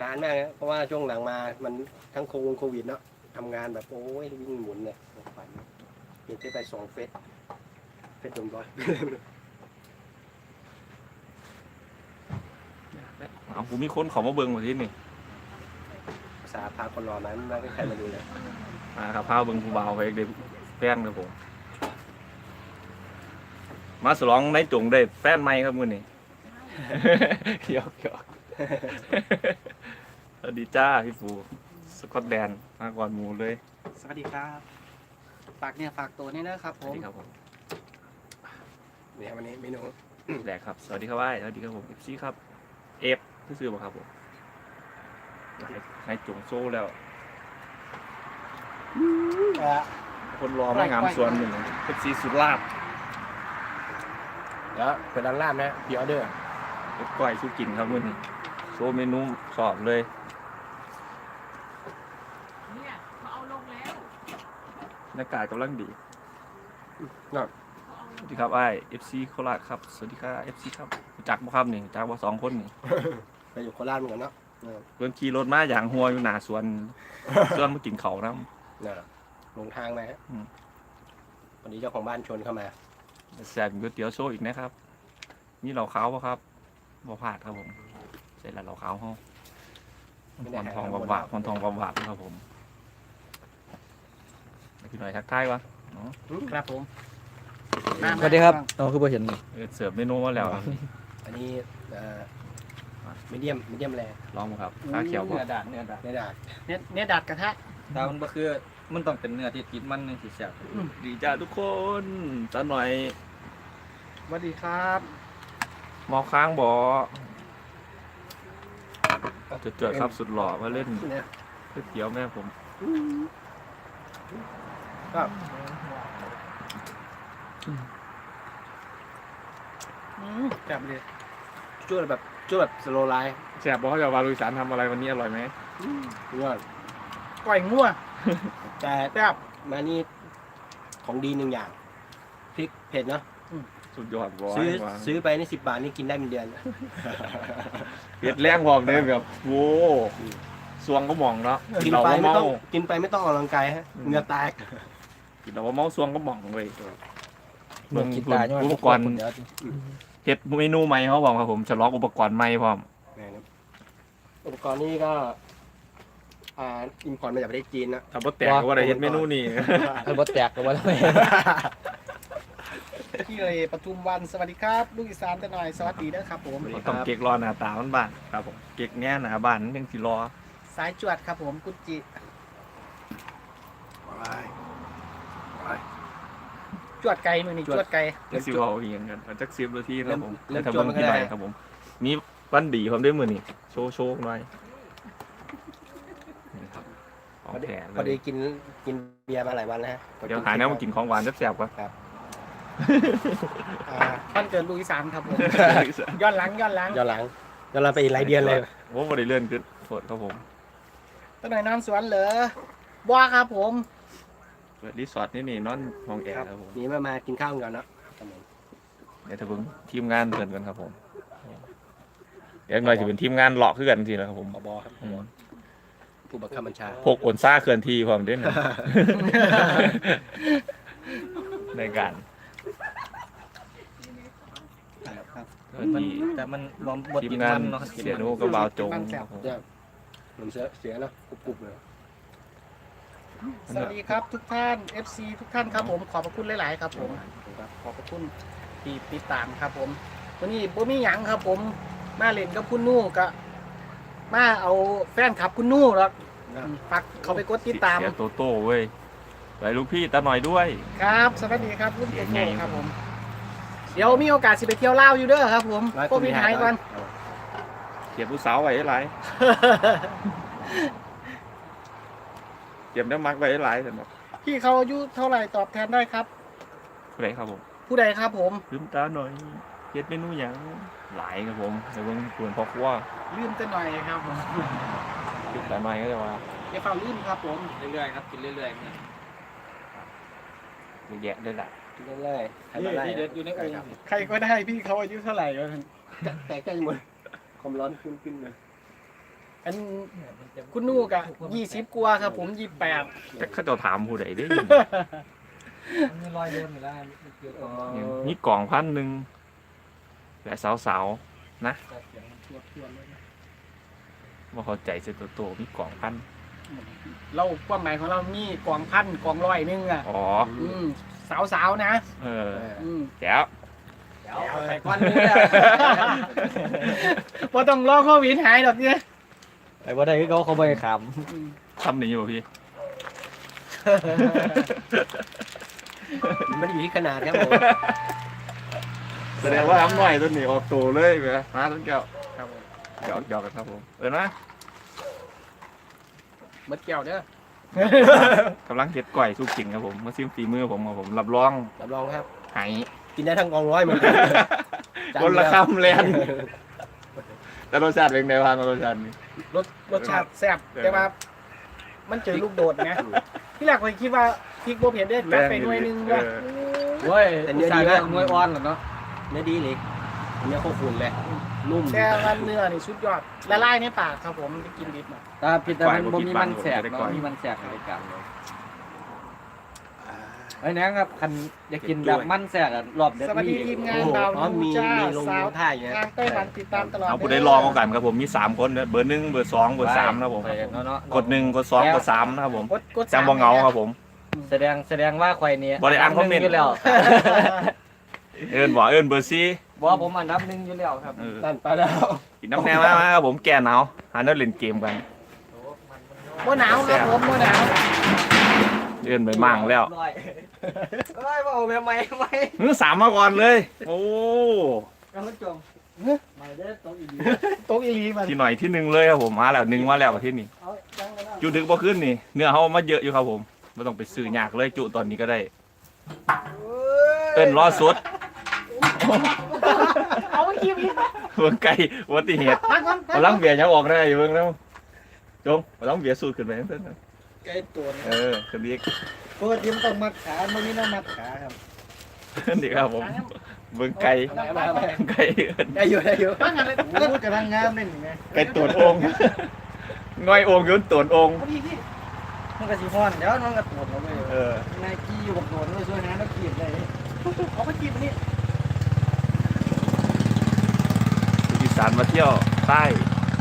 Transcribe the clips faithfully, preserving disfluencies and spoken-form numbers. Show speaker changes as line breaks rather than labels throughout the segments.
านมากนะเพราะว่าช่วงหลังมามันทั้งโควิดเนาะทำงานแบบโอ้ยวิ่งหมุนเนี่ยฝันเห็นไปสองเฟสเฟสดมร้อย
เอาผมมีคนเขามาเบิ่งมาที่นี่
ภาษาพาคนรอนั้นไม่ใครมาดูเลย
มาครับพาเบิ่งผู้บ่าวไปเด็กแฟนครับผมมาสลองในจงได้แฟนใหม่ครับมื้อนี้ หยอกหยอกสวัสดีจ้าพี่ฟูสกอตแลนด์มาก่อนหมูเลย
สวัสดีครับฝากเนี่ยฝากตัวนี่นะครับ
ส
ผ
วัส
ม
ดีครับผม
เนี่ยวันนี้เมนู
แดกครับสวัสดีครับว่ายสวัสดีครับผมเอฟซีครับเอฟซื้อๆบ่ครับผมให้ให้จงโซ่แล้ว คนรอไม่งามส่วนหนึ่งเอฟซีสุดลาบ
แล้วเป็นร้านลาบนะพีออเดอร์
เอฟก้อยสู้กินครับมื้อนี้โซ่เมนูสอบเลย
เนี่ยเขาเอาลงแล้ว
บรรยากาศกำลังดี
เนาะ
เขาเอาล
ส
ง
วัสดีครับไอ้เอฟซีโคราชครับ สวัสดีครับเอฟซีครับรู้จักบ่ครับนี่รู้จักบ่สองคนนี่
ไปอยู่โคราชเหมือนกันเนาะเออ
เพิ่นขี่รถมาอย่างหัวอยู่หน้าสวน สวนมากินเขาวนํ
เนี่ยลงทางมาฮะ
อืม
วันนี้เจ้าของบ้านชวนเข้ามา
แซ่บก๋วยเตี๋ยวโซ่อีกนะครับมีเหล่าขาวบ่ครับบ่พลาดครับผมใส่ละเหล่าขาวเฮาหอนทองบาบๆหอนทองบาบๆครับผมพี่หน่อยทักทายวะอ๋อ
ครับผม
สวัสดีครับอ๋อคือบ่เห็นนี่
เออเสิร์ฟเมนูมาแล้ว
อันนี้มีเดียมมีเดียมแรง
ลองบ่ครับข้าเขียวบ่
เนื้อดาดเนื้อดาด
ในดาด
เนี่ยเนี่ยดัดกระทะ
ดาวมันบ่คือมันต้องเป็นเนื้อที่ติดมันนึงสิแซ่บ
ดีจ้าทุกคนตาหน่อย
สวัสดีครับ
มอค้างบ่จะเจอครับสุดหล่อมาเล่น
เนี่ย
ก๋วยเตี๋ยวแม่ผม
ก็
อืมจับเลย
ช่วยแบบช่วยแบบสโลไลฟ์
แซ่บบ่เขาจะวาลุยสารทำอะไรวันนี้อร่อยไหม
ยอด
ก่อยงัว
แต่
แซ่บ
มานี่ของดีหนึ่งอย่างพริกเผ็ดเนาะ
สุดยอดบ่
ซื้อ
ว่า
ซื้อไปนี่สิบบาทนี่กินได้เป็นเดือน
เผ็ดแรงพร้อมเด้อแบบโว้สวงก็มองเนาะ
กิน
เรา
ไป
บ่
ไม่
เมา
ต้องกินไปไม่ต้องออกกำลังกายฮะเหงื่อแตก
กินเราบ่เมาสวงก็มองเว้ย
เบิ่งกินตาย้อน
อุปกรณ์
เดี๋ยว
เฮ็ดเมนูใหม่เขาบอกครับผมฉลองอุปกรณ์ใหม่พร้อม
อุปกรณ์นี่ก็อ่าอิมพอร์ตมาจากประเทศจีนนะ
ถ้าบ่แตกก็บ่ได้เฮ็ดเมนูนี่
เออบ่แตกก็บ่ได้
ที่เลยปทุมวันสวัสดีครับลูกอีสานจะหน่อยสวัสดีนะครับผม
ต้องเก๊กรอหน้าตามันบ้านครับผมเก๊กแง่หน้าบ้านมันจังสิรอ
สายจวดครับผมกุจิจวดไก่มือนี่จวดไก่
จังสิเว้าอีหยังกันจักสิบนาทีครับผม
เริ่ม
ถ้า
จว
เบิ่
ด
ง
มันก็
พี่หน่
ได้
อยครับผมมีวันดีผมได้มื้อนี้โชว์โชว์หน่อยนี่ครับของแท้
พอ
เล
ดี
ย
กินกินเบียร์มาหลายวันแล้วฮะ
เดี๋ยวหาแนวมากินของหวานแซ่บๆก่อน
อ่า
วันเกิดลูกอีสานครับผมย้อนหลังย้อนหลัง
ย้อนหลังย้อนหลังไปอีกหลายเดือนเลย
โอ้บ่ได้เลื่อนขึ้นโทษครับผม
จะหน่อยนอนสวนเหรอบ้าครับผม
เปิดรีสอร์ทนี่นี่นอนห้องแอร์ครับผม
นี่มามากินข้าวกันเนาะ
เดี๋ยวถ้าเบิ่งทีมงานเพิ่นกันครับผมเดี๋ยวหน่อยสิเป็นทีมงานเลาะคือกันสินะครับผม
ผบครับ
อืม
ผู้บังคับบัญชา
พกโอนซ่าเคลื่อนที่พร้อมเด้น ในการ
ครับ
เคลื่อน
มัน
ที่
แต่มันบ่บ่
ทีม
ติด
งา
มัน นเนาะ
เสียโนกับบาวจงครับผม
เนี่ยมันเสียเสียเนาะกรุบๆเลย
สวัสดีครับทุกท่าน เอฟ ซี ทุกท่านครับผมขอบพระคุณหลาย ๆ ครับผมขอบพระคุณที่ติดตามครับผมวันนี้บ่มีหยังครับผมมาเล่นกับคุณนู่ก็มาเอาแฟนคลับคุณนู่หรอกฝากเขาไปกดติดตาม
เสียโตโต้เว้ยไปลูกพี่ตาหน่อยด้วย
ครับ สวัสดีครับคุณ
เสี
โต
ยงใหญ่
โต้ครับผม เดี๋ยวมีโอกาสสิไปเที่ยวลาวอยู่เด้อครับผมโควิดหายก่อน
เก็บผู้สาวไว้หลายเก็บได้มักไว้หลายสำหรับ
พี่เขาอายุเท่าไหร่ตอบแทนได้ครับ
ผู้ใดครับผม
ผู้ใดครับผม
ลืมตาหน่อยเฮ็ดเมนูหยังหลายครับผมเดี๋ยวเบิ่งกวนพ่อครัว
ลืมจะหน่อยครับผม
ลืมตาหน่อยก็จะว่า
อย่าเฝ้าลืมครับผม
เรื่อยๆครับกินเรื่อยๆเนี่ย
เยอะแยะเลยล่ะ
กินเรื่อยๆใครมาไล่
นี่เด็ดอยู่ในโอ่ง
ใครก็ได้พี่เขาอายุเท่าไหร่ก็
แต่ใกล้หมดความร้อนขึ้นขึ้นเลย
อันคุณนูกะยี่สิบกว่าครับผมยี่สิบแปด
แต่เขาจะถามผู้ใดได้
มันมีรอยโดนอยู่แล้วเกี่ยวกับ
นี่กล่องพันหนึ่งแต่สาวๆนะว่าเข้าใจเสียตัวโตมีกล่องพัน
เราความหมายของเรามีกองพันกองร้อยหนึงอ่ะ
อ๋อ
อืมสาวๆนะ
เออ
อืม
แจ๋ว
เอาใส่ก้อนนี้อะพอต้องรอโควิดหายหรอกเนี่ย
ไอ้บ่ได้เขาเขาบ่ให้ข
อืม
ทำหนีอยู่พี่
มันอยู่ที่ขนาดครับผม
แสดงว่าทำหน่อยตัวหนีออกตัวเลยไหมมาต้นแก้ว
ครับผม
หยอกหยอกกันครับผมเออนะ
เบิดแก้วเด้อก
ำลังเก็ดก่อยสู้กินครับผมมาซิมฝีมือผมครับผมรับรอง
รับรองครับ
หาย
กินได้ทั้งกองร้อยเหมือนกัน
คนละคำเลยแต่รสชาติเป็นไงบ้างรสชาตินี่
รสรสชาติแซ่บ
เออ
แต่ว่า มันเจอลูกโดดไงที่แรกผมคิดว่าพริกโบเผ็ดได้จัดไปหน่วยหนึงว่า
ำเว้ยใส่หน่วยอ่อนเหรอเนาะ
เนื้อดีเลยเนื้อโคขุนเลยนุ่ม
แต่ว่าเนื้อนี่สุดยอดละลายในปากครับผมไปกินดิบมา
ตาผิดแต่มันบ่มีมันแสบเนาะมีมันแสบในกันไอ้แหนงครับคันอยากกินแบบมันแสบอะรอบเด็ด
สวัสดีทีมงาน
โอ้โห
ดาว
อ๋อ
นู
มี
จ้า
มีลง
สาว
ท่าอย่างเงี้ย
ทางใต้หวันติดตามตลอด
เอาผู้ได้ลองเอากันครับผมมีสามคนเด้อเบอร์หนึ่งเบอร์สองเบอร์สามนะครับผม
เนาะเนาะ
กดหนึ่งกดสองกดสามนะครับผม
กดกด
จังบ่เหงาครับผม
แสดงแสดงว่าข่อยเนี่ย
บ่ได้อ่านคอมเมนต์
อยู่แล้ว
เอิญบอกเอิญเบอร์ซี่
บ่ผมอันดับหนึ่งอยู่แล้วครับ
เออ
นั่นไปแล้ว
กินน้ำแน่มามาครับผมแก่หนาวหาเนื้อเล่นเกมกัน
บ่หนาวครับผมบ่หนาว
เอิญไปมั่งแล้ว
เอ้ยว่าเอาแม่ไม้ไม้
เนื้อสามมาก่อนเลย โอ้
กำลังจมไม่ได้ตรงอีก
โต๊ะอีหลีมัน
ที่หน่อยที่หนึ่งเลยครับผมมาแล้วหนึ่งมาแล้วที่นี่
เอาจังกันแล้ว
จุดึกบ่ขึ้นนี่เนื้อเขามาเยอะอยู่ครับผมไม่ต้องไปซื้อยากเลยจุตอนนี้ก็ได้เอิ้นรอสุด
เอาไปกินอีก
เบิ่งไก่อุบัติเหตุ
พักก่อนพัก
กำลังเบียร์ยังออกได้อยู่เบิ่งแล้วจงกำลังเบียร์สูดขึ้นไปเพิ่น
ไก่ตัว
เออขึ้นอีก
ปกติมันต้องมัดขามันมีน้ำมัดขาครับ
ขึ้นอีกครับผมเบิ่งไก่ไก่เอิ้น
ได้อยู่ได้อยู่
พักกันเลย
พูดกระทั่งงามเล่นยังไง
ไก่ตวนองค์ง่อยองค์อยืนตวนองค์
พอดีพี่
มันก็สิฮ้อนเดี๋ยวมันก็ปวดเราไป
เออน
ายกี้อยู่กับโดนก็ช่วยนะแล้วกีบเลย
เอาไปกินอันนี้
อีสานมาเที่ยวใต้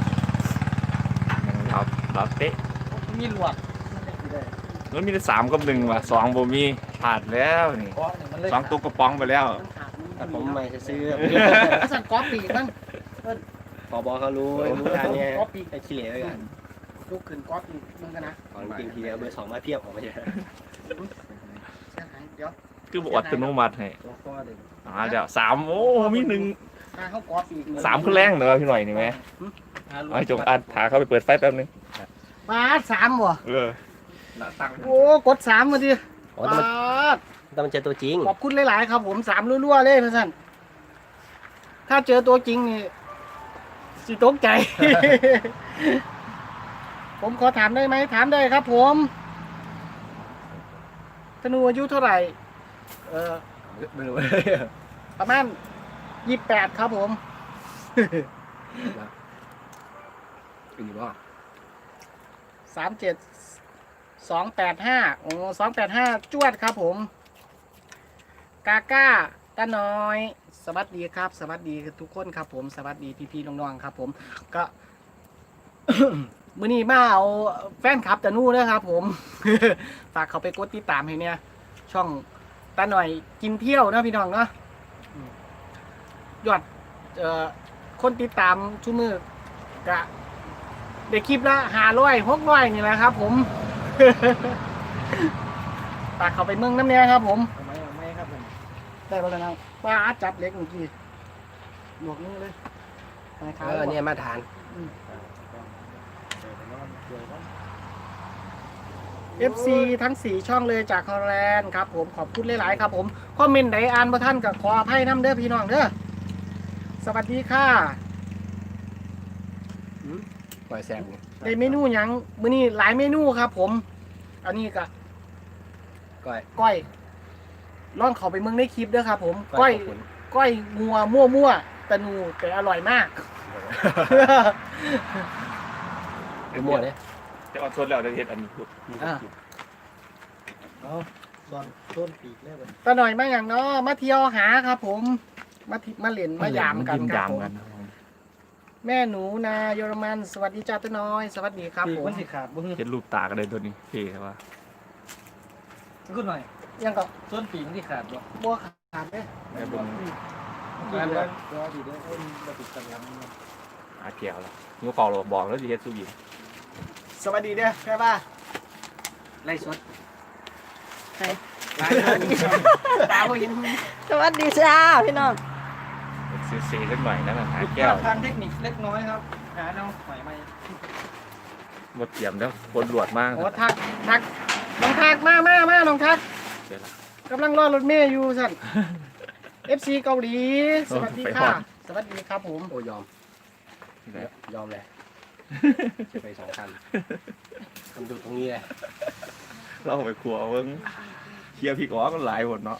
ครับลาเต้
มีหลวกมันจะกินได้
มันมีแต่สามกับหนึ่งว่ะสองบ่มีผ่านแล้วนี่
เพราะเนี่ยมันเลย
สองตุ๊กกระป๋องไปแล้ว
มันขาด
แต่ผมไม่ซื้อ
ถ้าสั่งก๊อปปีกบ้าง
พอบอเขารู้รู้ทางเนี้ย
ก๊อปปีก
ไอ้ขี้เหร่ไว้กัน
ลูกขึ้นก๊อปปีกมึงกันนะ
ของจริงทีเดียวเบอร์สองมาเพียบออกมาเยอะ
เสียหายเดี๋ยว
คือบอกอัตโนมัติให้
ตัวข้อเด็ก
อ่าเดี๋ยวสามโอ้มีหนึ่ง
ถ้าเขาก๊อปปีก
สามขึ้นแรงเด้อพี่หน่อยนี่ไหมไอ้จงอัดถาเข้าไปเปิดไฟแป๊บนึง
มาสามบ่
เออ
โอ้กดสามมาดิ
อ๋อแต่มัน
ปาด
แต่มันเจอตัวจริง
ขอบคุณหลายๆครับผมสามรัวๆเลยนะท่านถ้าเจอตัวจริงนี่สิตกใจ ผมขอถามได้ไหมถามได้ครับ ผมธนูอายุเท่าไหร่ เออ
ไม่รู้
ประมาณยี่แปดครับผม
อีกว่า
สามเจ็ดสองแปดห้าโอ้สองแปดห้าจวดครับผม กาก้าตาน้อย สวัสดีครับ สวัสดีทุกคนครับผมสวัสดีพี่ๆน้องๆครับ ผมก็ มื้อนี้มาเอาแฟนคลับตานู่นะครับผม ฝากเขาไปกดติดตามให้เนี่ย ช่องตาหน่อยกินเที่ยวนะพี่น้องเนาะอืมยอดเอ่อคนติดตามชั่วมือกะเด็กคลิปละหาร้อยหกร้อยนี่แหละครับ ผม ฝากเขาไปเมืองน้ำเนี้ยครับ ผม
ทำไมเอาไม่ครับผม
ได้แล้วนะป้าจับเล็กเมื่อกี้หลวกมือเลยไปขา
เออเนี่ยมาทาน
เอฟซีทั้งสี่ช่องเลยจากฮอลแลนด์ครับผมขอบคุณหลายๆครับผมคอมเมนต์ไหนอ่านบ่ท่านกับขออภัยน้ำเด้อพี่น้องเด้อสวัสดีค่ะ
ปล่อยแซมเนี่ย
ได้เมนูหยังมื้อนี้หลายเมนูครับ ผม อันนี้ก็
ก้อย
ก้อยลองเข้าไปเมืองในคลิปเด้อครับ ผม
ก้
ก้
อ
อย ย
ขอบคุณ
ก้อยงัวมั่วมั่วๆแต่นูแต่อร่อยมาก
มั่วเลย
จะเอาชนแล้วจะเฮ็ดอันนี้พูด
อ่า
เอาตอนต้นปีกแล้วมัน
ตาหน่อยมาอย่างเนาะมาเที่ยวหาครับผม มาทิมาเล่นมายามกัน
ยิ้ม
ครับ
ยาม
ผม
กันครับผม
แม่หนูนาเยอรมันสวัสดีจ้าตาน้อย สวัสดีครับ
ปีก
ผม
มันสิขาดบ่ฮึ
เห็นรูปตากันเลยตัวนี้เท่ใช่ปะ
ขึ้นหน่อย
ยังก็
ส่วนปีกมันสิขาดบ่
บัวขาดเด้
แม่บุญ
ขาดแล้วรอดีเด้อเอ้ยบ่ติดกันแล้ว
อาเกียวแล้วนิ้วเปล่าเราบอกแล้วสิเฮ็ดสุกิ
สวัสดีเด้อแค่ว่าไล่สด
ใคร
ไล่สดตาบ่เห็น
สวัสดีจ้าพี่น้อง
ซื้อเซสักหน่อยนั่นน่ะหาแก้ว
ทางเทคนิคเล็กน้อยครับหาแนวใหม่ใหม่
หมดเตรียมแล้วคนรวดมาก
โอ้ทักทักน้องทักมามามาน้องทัก
เดี๋ยวละ
กำลังรอรถเมย์อยู่สั่น เอฟ ซี เกาหลี สวัสดีค่ะ สวัสดีครับผม
โอ้ยอม
เดี๋ยวย
อมเลยจะไปสองคันทำดูตรงนี้เลย
เราไปครัวเพิ่งเคลียร์พี่ก้อกันหลายหมดเนาะ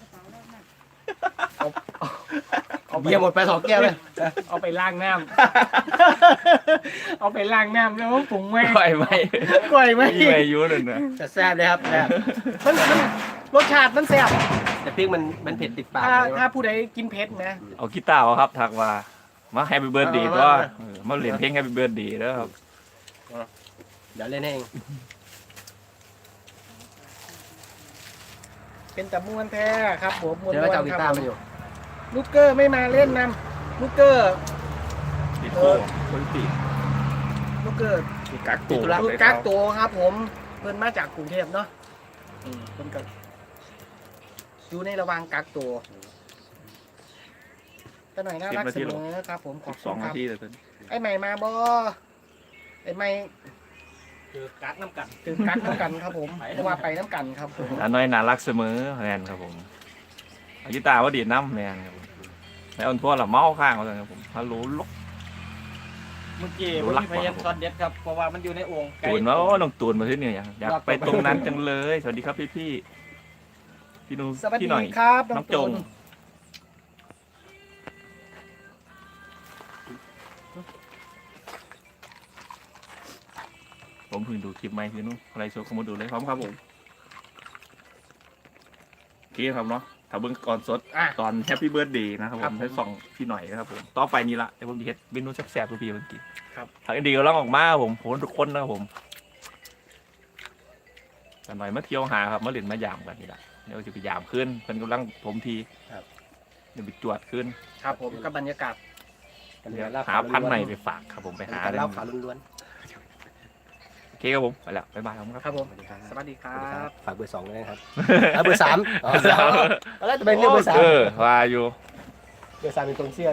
เบียร์หมดไปสองแก้วเลย
เอาไปล้างน้ำ เอาไปล้างน้ำแล้วปรุงไว้
ไหวไหม
ก่อยไหม
มีอายุเลยนะ
แต่แซ่บเลยครับแซ่บ
มันมันรสชาติมันแซ่บ
แต่พริกมันมันเผ็ดติดปาก
ถ้า
เลย
ถ้าผู้ใดกินเผ็ดนะ
เอากีตาร์เอาครับทักว่ามาแฮปปี้เบิร์ดเดย์
เอา
ก็
มา
เออมาเล่นเพลงแฮปปี้เบิร์ดเดย์แล้วครับ
เดี๋ยวเล่นให้เอง
เป็นตะม้วนแท้ครับผมม้วน
เดี๋ยวว่าจะเอากี
ค
ตาร์
รับ
มาอยู่
ลูกเกอร์ไม่มาเล่นนำลูกเกอร์
ติดโก้คนติด
ลูกเกอร์
ติดกักตัว
ลูกกักตัวครับผมเพิ่นมาจากกรุงเทพเนาะอืมเพิ่นก็อยู่ในระหว่างกักตัวตาหน่อยน่ารักเสมอครับผมขอบ
ส
คุ
อง
ณค
นา
รับ
ทีเลยตอนนี้
ไอ้ใหม่มาบอไอ้ใหม่
คือกักน้ำกัน
ถึงกักน้ำกันครับผมเพราะว่าไปน้ำกันครับผม
อันน้อยน่ารักเสมอแมนครับผมเอากีตาร์ว่าดีดน้ำแมนครับผมแล้วอันทั่วละเมาข้างเขาเลยครับผมฮัลโหลลก
เมื่อกี้
ดู
ผม
รัก
มีพยายามช็อตเด็ดครับเพราะว่ามันอยู่ในโอ่งไก่
ตูนว่าโอ้น้องตูนมาที่นี่อยากอยากไปตรงนั้นจังเลย สวัสดีครับพี่พี่พี่นุ
สวัส
พี่
ดี
หน่อย
ครับ
น้
น้
อ
อง ง
จ
จ
ง
ง
ผมเพิ่งดูคลิปใหม่พี่นุอะไรโชว์เขามาดูเลยพร้อมครับผมโอเคครับเนาะถ้าเบิ้งก่อนสด
อ่ะ
ตอนแฮปปี้เบิร์ดเดย์นะครับผ
ครับ
ม
ผม
ให้ส่องพี่หน่อยนะครับผมต่อไปนี้ละเดี๋ยวผมจะเฮ็ดเมนูแซ่บๆทุกพี่เมื่อกี้
ครับ
ทางอินดีก็ร้องออกมาครับผมผมทุกคนนะครับผมแต่หน่อยมาเที่ยวหาครับมาเล่นมายามกันนี่แหละเดี๋ยวจะไปยามขึ้นเป็นกำลังผมทีเดี๋ยวไปจวดขึ้น
ครับผมกับบรรยากาศ
เดี๋ยวหาพันธุ์ใหม่ไปฝากครับผมไปหา
หา
เลย
เหล้าขาวล้วน
โอเคครับผมไปแล้วบ๊ายบายครับ
ครับผม
ๆสวัสดีครับ
สวัสดีครั
สวัสดีครับ
บ
ฝากเบอร์สองด้วยนะครับเอาเบอร์สามอ๋อแล้วจะเป็นเรื่องเบอร์สาม
เออว่าอยู่
เบอร์สามเป็นตรงเสี้ยน